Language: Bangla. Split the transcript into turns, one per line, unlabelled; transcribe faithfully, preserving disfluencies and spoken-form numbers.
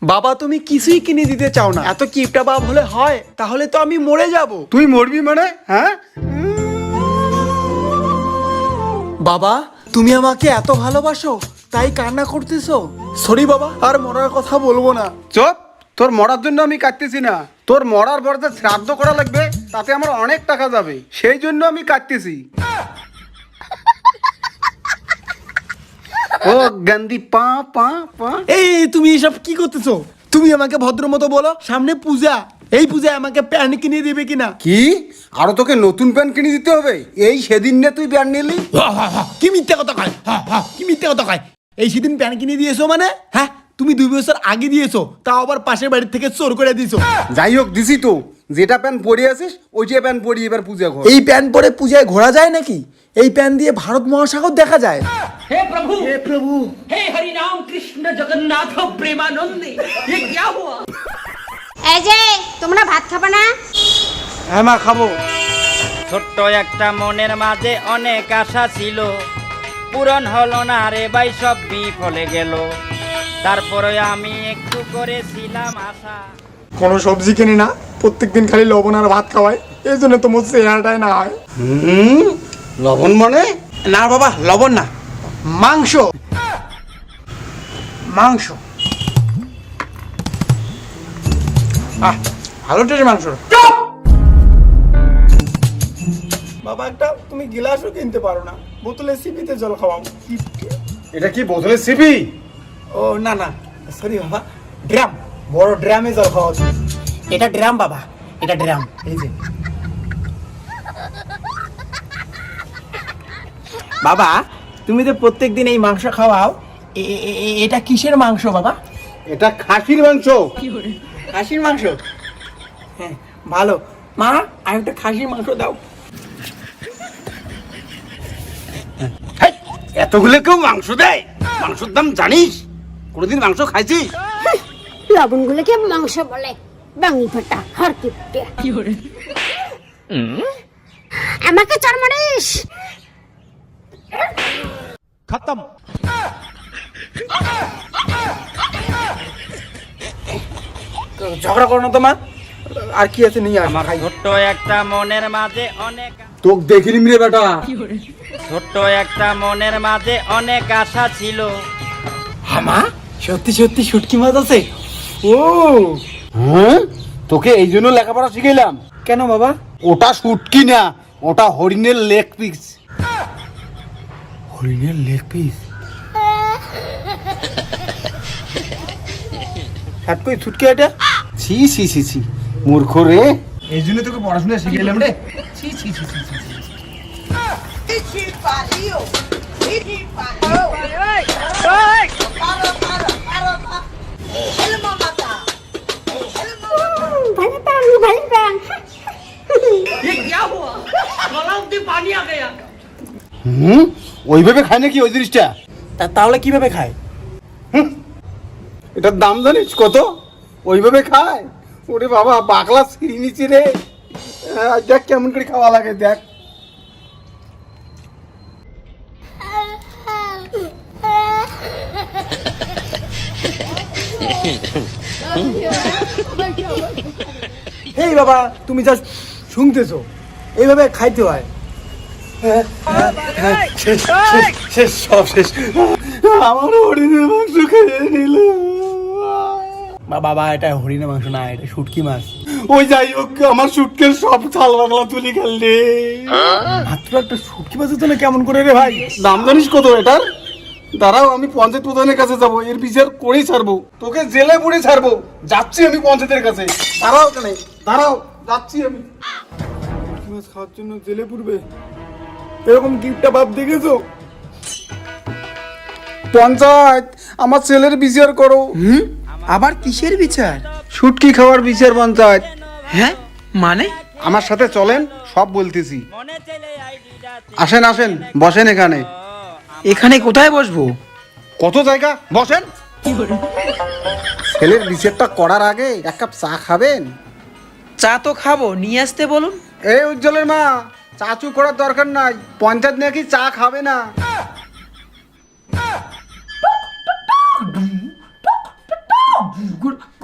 বাবা তুমি কিছুই কিনে দিতে চাও না, এত কিপটা বাপ হলে হয়? তাহলে তো আমি মরে যাব।
তুই মরবি মানে? হ্যাঁ
বাবা তুমি আমাকে এত ভালোবাসো তাই কান্না করতেছো? সরি বাবা, আর মরার কথা বলবো না।
চুপ, তোর মরার জন্য আমি কাটতেছি না, তোর মরার পর যে শ্রাদ্ধ করা লাগবে তাতে আমার অনেক টাকা যাবে, সেই জন্য আমি কাটতেছি। ও গান্ধী পা পা পা।
এই তুমি এসব কি করতেছো? তুমি আমাকে ভদ্র মতো বলো, সামনে পূজা, এই পূজায় আমাকে প্যান্ট কিনে দিবে কিনা?
কি আরো তোকে নতুন প্যান্ট কিনে দিতে হবে? এই সেদিন না তুই প্যান্ট নিলি?
কি মিথ্যা কথা কয়, কি মিথ্যা কথা কয়? এই সেদিন প্যান্ট কিনে দিয়েছো মানে? হ্যাঁ তুমি দুই বছর আগে দিয়েছো, তাও আবার পাশের বাড়ির থেকে চোর করে দিয়েছো।
যাই হোক দিছি তো, যেটা প্যান্ট পরে আছিস ওইটা প্যান্ট পরি এবার পূজা ঘর।
এই প্যান্ট পরে পূজায় ঘোরা যায় নাকি? এই প্যান্ট দিয়ে ভারত মহাসাগর দেখা যায়।
हे प्रभु
হে প্রভু,
हे हरि राम कृष्ण जगन्नाथ प्रेमानंदे ये क्या हुआ?
এই যে তোমরা ভাত খাবে না?
হ্যাঁ মা খাবো।
ছোট্ট একটা মনের মাঝে অনেক আশা ছিল, পূরণ হলো না রে ভাই, সব বিফলে গেল। তারপরে আমি একটু করেছিলাম আশা।
কোনো সবজি কিনি না, প্রত্যেকদিন খালি লবণ আর ভাত খাওয়ায়, এই জন্য তোমার চেহারাটাই না হয়।
হুম লবণ মানে?
না বাবা, লবণ না, মাংস, মাংস। আহ ভালো টেস্ট মাংস। বাবা একটা তুমি গিলাসও কিনতে পারো না, বোতলে সিপিতে জল খাওয়াও।
এটা কি বোতলে সিপি?
ও না না সরি বাবা, ড্রাম, বড় ড্রামে জল খাওয়া তুমি। এটা ড্রাম বাবা, এটা ড্রাম, এই যে। বাবা তুমি তো প্রত্যেকদিন এই মাংস খাওয়াও, এ- এ- এ- এটা কিসের মাংস বাবা?
এটা খাসির মাংস।
খাসির মাংস? হ্যাঁ ভালো। মা আর একটা খাসির মাংস দাও।
এতগুলো কেউ মাংস দেয়? মাংসের দাম জানিস? কোনোদিন মাংস খাইছিস?
লবণগুলোকে মাংস বলে, বাঙি ফাটা হার কিপটে। আমাকে চর মারিস?
খতম। ঝগড়া করো না তো মা, আর কি আছে নিয়ে আস।
আমার ছোট্ট একটা মনের মাঝে অনেক
তোকে দেখিনি রে বেটা।
ছোট্ট একটা মনের মাঝে অনেক আশা ছিল।
হ্যাঁ মা, সত্যি সত্যি শুটকি মাছ আছে? ও
হ্যাঁ তোকে এই জন্য লেখাপড়া শিখাইলাম।
কেন বাবা?
ওটা শুটকি না, ওটা হরিণের লেগ পিস।
হরিণের লেগ পিস? হাত কই ছুটকি এটা?
ছি ছি ছি ছি মূর্খ রে, এই জন্য তোকে পড়াশোনা শিখাইলাম রে। ছি ছি ছি ছি ছি।
ভালো পান, ভালো পান।
ये क्या हुआ? गला में पानी आ गया।
হুম ওইভাবে খায় নাকি ওই জিনিসটা?
তা তাহলে কিভাবে খায়?
এটার দাম জানিস কত? ওইভাবে খায়? ওরে বাবা বাকলা ছিঁড়ি নিচি রে। আহ, দেখ কেমন করে খাওয়া লাগে দেখ।
এই বাবা তুমি যা শুনতেছো, এইভাবে খাইতে হয়।
শেষ শেষ শেষ সব শেষ। আমার হরিণের মাংস খেয়ে নিল।
বা বাবা এটা হরিণের মাংস না, এটা শুটকি মাছ।
ওই যাই হোক আমার সুটকের সব ছাল বাগলা তুলি খেললে।
মাত্র একটা শুটকি মাছের জন্য কেমন করে রে ভাই?
দাম জানিস কত এটার? দাঁড়াও আমি পঞ্চায়েত প্রধানের কাছে যাবো, এর বিচার করেই ছাড়বো, তোকে জেলে পুরে ছাড়বো। যাচ্ছি আমি পঞ্চায়েতের কাছে। দাঁড়াও কেন, দাঁড়াও যাচ্ছি আমি।
শুটকি মাছ খাওয়ার জন্য জেলে পুরবে? এরকম গিফটটা বাপ দেখেছো?
পঞ্চায়েত আমার ছেলের বিচার করো।
হুম আবার কিসের বিচার?
শুটকি খাওয়ার বিচার পঞ্চায়েত।
হ্যাঁ মানে?
আমার সাথে চলেন, সব বলতেছি।
মনে চলে আইডিটা
আসেন আসেন বসেন এখানে।
এখানে কোথায় বসবো?
কত জায়গা, বসেন। ছেলের বিচারটা করার আগে এক কাপ চা খাবেন?
চা তো খাবো, নিয়ে আসতে বলুন।
এই উজ্জ্বলের মা, চাচু করার দরকার নাই, পঞ্চায়েত নাকি চা খাবে না।
গুড